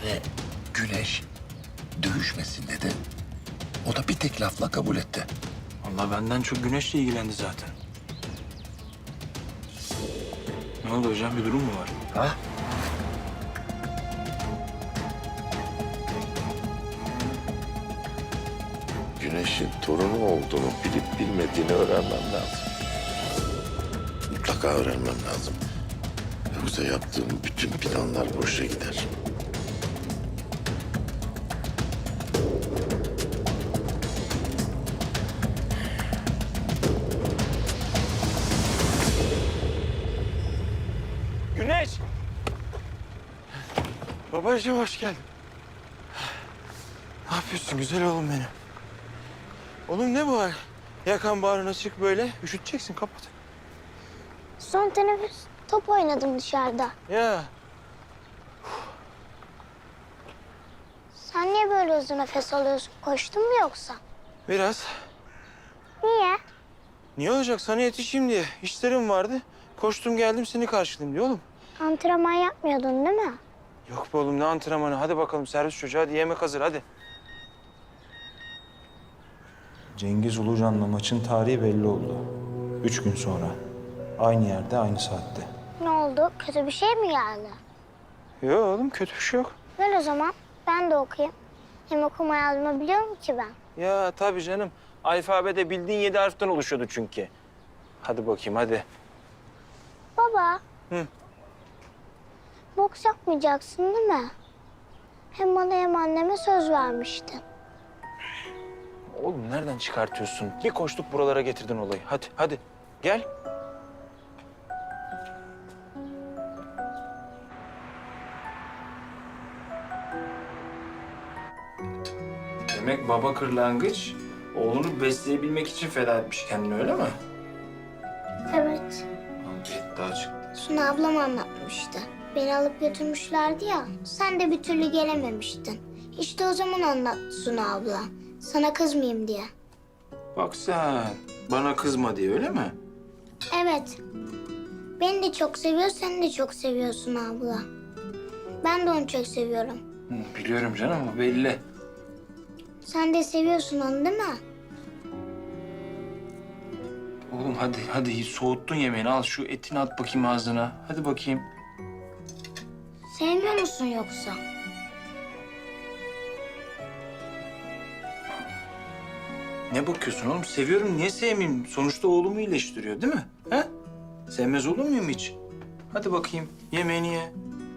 Yani Güneş dövüşmesin dedi. O da bir tek lafla kabul etti. Allah benden çok Güneş'le ilgilendi zaten. Ne oldu hocam? Bir durum mu var? Ha? Güneş'in torunu olduğunu bilip bilmediğini öğrenmem lazım. Mutlaka öğrenmem lazım. Yoksa yaptığım bütün planlar boşa gider. Güneş! Babacığım hoş geldin. Ne yapıyorsun güzel oğlum benim? Oğlum ne bu hal? Yakan bağrına çık böyle. Üşüteceksin kapat. Son teneffüs top oynadım dışarıda. Ya Sen niye böyle uzun nefes alıyorsun? Koştun mu yoksa? biraz. Niye? Niye olacak? Sana yetişeyim diye. İşlerim vardı. Koştum geldim seni karşılayayım diye oğlum. Antrenman yapmıyordun değil mi? Yok be oğlum ne antrenmanı. Hadi bakalım servis çocuğu. Hadi yemek hazır hadi. Cengiz Ulucan'la maçın tarihi belli oldu. 3 gün sonra. Aynı yerde, aynı saatte. Ne oldu? Kötü bir şey mi geldi? Yok oğlum kötü bir şey yok. Ver o zaman. Ben de okuyayım. Hem okuma yazma biliyorum ki ben. Ya tabii canım. Alfabede bildiğin 7 harften oluşuyordu çünkü. Hadi bakayım hadi. Baba. Hı. Boks yapmayacaksın değil mi? Hem bana hem anneme söz vermiştin. Oğlum nereden çıkartıyorsun? Bir koştuk buralara getirdin olayı. Hadi hadi gel. Demek baba kırlangıç oğlunu besleyebilmek için feda etmiş kendini öyle mi? Evet. Daha çıktı. Suna ablam anlatmıştı. Beni alıp götürmüşlerdi ya. Sen de bir türlü gelememiştin. İşte o zaman anlattı Suna abla. Sana kızmayayım diye. Bak sen bana kızma diye öyle mi? Evet. Beni de çok seviyor, seni de çok seviyorsun abla. Ben de onu çok seviyorum. Biliyorum canım o belli. Sen de seviyorsun onu değil mi? Oğlum hadi hadi soğuttun yemeğini al şu etini at bakayım ağzına. Hadi bakayım. Sevmiyor musun yoksa? Ne bakıyorsun oğlum? Seviyorum niye sevmeyeyim? Sonuçta oğlumu iyileştiriyor değil mi? He? Sevmez olur muyum hiç? Hadi bakayım yemeğini ye.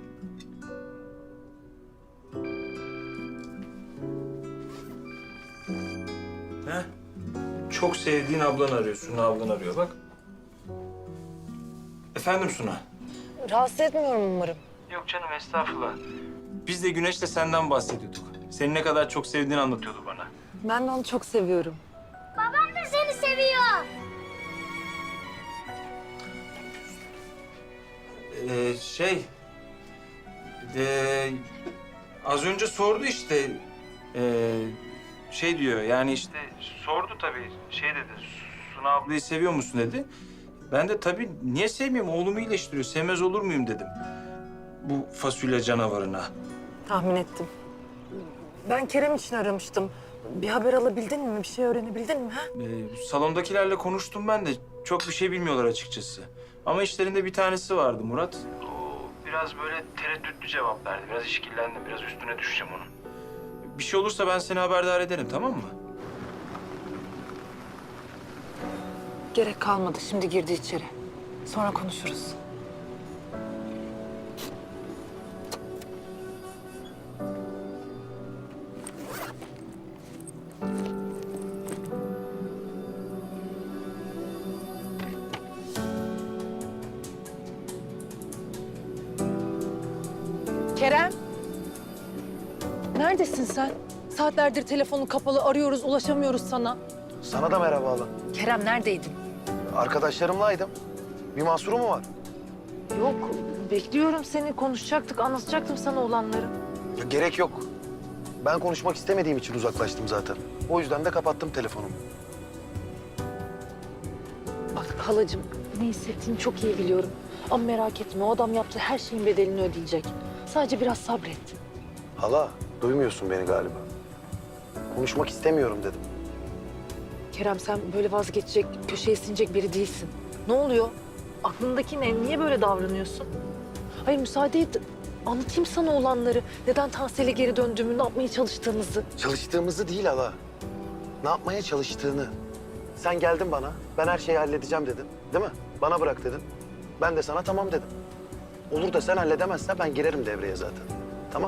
He? Çok sevdiğin ablan arıyor. Suna ablan arıyor bak. Efendim Suna? Rahatsız etmiyorum umarım. Yok canım estağfurullah. Biz de Güneş'le senden bahsediyorduk. Seni ne kadar çok sevdiğini anlatıyordu bana. Ben de onu çok seviyorum. Babam da seni seviyor. Şey... az önce sordu işte. Şey diyor yani işte sordu tabii. Şey dedi, Suna ablayı seviyor musun dedi. Ben de tabii niye sevmiyorum? Oğlumu iyileştiriyor. Sevmez olur muyum dedim. Bu fasulye canavarına. Tahmin ettim. Ben Kerem için aramıştım. Bir haber alabildin mi? Bir şey öğrenebildin mi? Ha? Salondakilerle konuştum ben de. Çok bir şey bilmiyorlar açıkçası. Ama işlerinde bir tanesi vardı Murat. O biraz böyle tereddütlü cevap verdi. Biraz işkillendim. Biraz üstüne düşeceğim onun. Bir şey olursa ben seni haberdar ederim tamam mı? Gerek kalmadı. Şimdi girdi içeri. Sonra konuşuruz. Kerem. Neredesin sen? Saatlerdir telefonun kapalı, arıyoruz, ulaşamıyoruz sana. Sana da merhaba hala. Kerem neredeydin? Arkadaşlarımlaydım. Bir mahsuru mu var? Yok, bekliyorum seni. Konuşacaktık, anlatacaktım sana olanları. Ya gerek yok. Ben konuşmak istemediğim için uzaklaştım zaten. O yüzden de kapattım telefonumu. Bak halacığım, ne hissettiğini çok iyi biliyorum. Ama merak etme, o adam yaptığı her şeyin bedelini ödeyecek. Sadece biraz sabret. Hala, duymuyorsun beni galiba. Konuşmak istemiyorum dedim. Kerem sen böyle vazgeçecek, köşeye sinecek biri değilsin. Ne oluyor? Aklındaki ne? Niye böyle davranıyorsun? Hayır müsaade et. Anlatayım sana olanları. Neden Tansel'e geri döndüğümü, ne yapmaya çalıştığımızı. Çalıştığımızı değil hala. Ne yapmaya çalıştığını. Sen geldin bana, ben her şeyi halledeceğim dedin. Değil mi? Bana bırak dedin. Ben de sana tamam dedim. Olur da sen halledemezsen ben girerim devreye zaten. Tamam?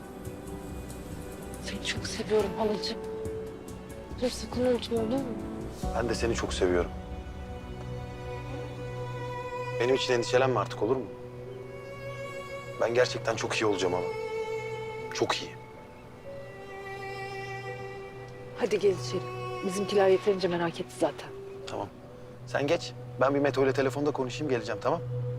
Seni çok seviyorum halacığım. Dur sakın unutma olur mu? Ben de seni çok seviyorum. Benim için endişelenme artık, olur mu? Ben gerçekten çok iyi olacağım ama. Çok iyi. Hadi gel içeri. Bizimkiler yeterince merak etti zaten. Tamam. Sen geç. Ben bir Meto ile telefonda konuşayım, geleceğim, tamam?